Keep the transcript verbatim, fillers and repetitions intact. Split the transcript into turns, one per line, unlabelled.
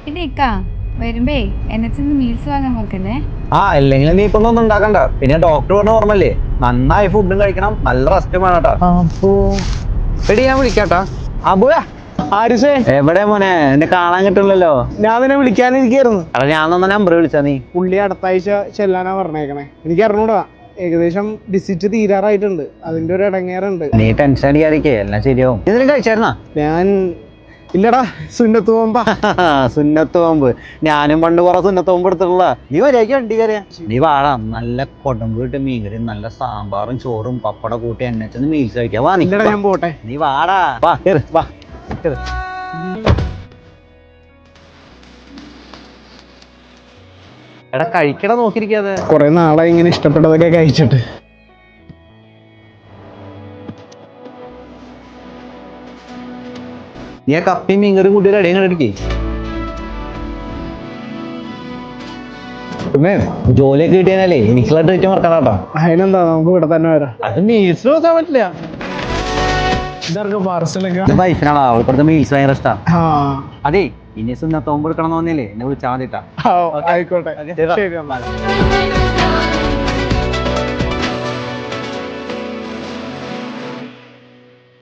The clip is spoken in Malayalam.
പിന്നെ ഇക്കാ വരുമ്പേ എന്നെ ചെന്ന് മീൽസ് വാങ്ങാൻ നോക്കല്ലേ.
ആ അല്ലെങ്കിൽ നീ ഇപ്പൊ ഒന്നും ഉണ്ടാക്കണ്ട. പിന്നെ ഡോക്ടർ പറഞ്ഞ ഓർമ്മല്ലേ, നന്നായി ഫുഡും കഴിക്കണം, നല്ല റെസ്റ്റും വേണം കേട്ടോ.
അപ്പോ
എടി ഞാൻ വിളിക്കാട്ടാ.
അബുയാ ആരിസേ
എവിടെ മോനെ, എന്നെ കാണാൻ കിട്ടില്ലല്ലോ.
ഞാൻ നിന്നെ വിളിക്കാനിരിക്കായിരുന്നു.
അല്ല ഞാൻ തന്ന നമ്പർ വിളിച്ചാ നീ.
പുള്ളി അടുത്ത ആഴ്ച ചെല്ലാനാ പറഞ്ഞേക്കണേ. എനിക്ക് അറിഞ്ഞൂടാ, ഏകദേശം വിസിറ്റ് തീരാറായിട്ടുണ്ട്. അതിന്റെ ഒരു ഇടങ്ങേറുണ്ട്.
നീ ടെൻഷൻ അടിക്കാതിരിക്കേ, എല്ലാം ശരിയാവും. ഇതിനും കഴിച്ചായിരുന്നാ?
ഞാൻ ഇല്ലടാ, സുന്നത്ത് പോകുമ്പോ
സുന്നത്ത് പോകുമ്പ് ഞാനും പണ്ട് കുറെ സുന്നത്ത് പോകുമ്പ് എടുത്തിട്ടുള്ള. നീ വരെയൊക്കെ വണ്ടി കയറിയാ നീ വാടാ, നല്ല കൊടമ്പ് കിട്ടും മീൻകറി, നല്ല സാമ്പാറും ചോറും പപ്പട കൂട്ടി എന്നെ ചെന്ന് മീൽസ് കഴിക്കാം. വാ നീ.
ഇല്ലടാ ഞാൻ പോട്ടെ.
നീ വാടാ, വാ കേറ്, വാ കേറ്. എടാ കഴിക്കട നോക്കിയിരിക്കാതെ.
കുറെ നാളായി ഇങ്ങനെ ഇഷ്ടപ്പെട്ടതൊക്കെ കഴിച്ചിട്ട്.
നീ ആ കപ്പയും മീൻകറി കൂട്ടി ഒരു അടിയും കണ്ടിരിക്കേ. പിന്നെ ജോലിയൊക്കെ കിട്ടിയാലേ എനിക്കുള്ള ട്രീറ്റ് മറക്കണം കേട്ടോ.
അതിനെന്താ, നമുക്ക് ഇവിടെ തന്നെ വരാം.
അത് മീൽസ് നോക്കാൻ പറ്റില്ല.
ഇതാർക്ക് പാർസലൊക്കെ?
വൈഫിനാണോ, അവൾക്കൊടുത്ത മീൽസ് ഭയങ്കര ഇഷ്ടാ.
ആ
അതേ ഇനി സുന്നത്തോമ്പ് എടുക്കണം തോന്നിയല്ലേ എന്നെ വിളിച്ചാൽ മതിട്ടാ.
ആയിക്കോട്ടെ, ശരി എന്നാ.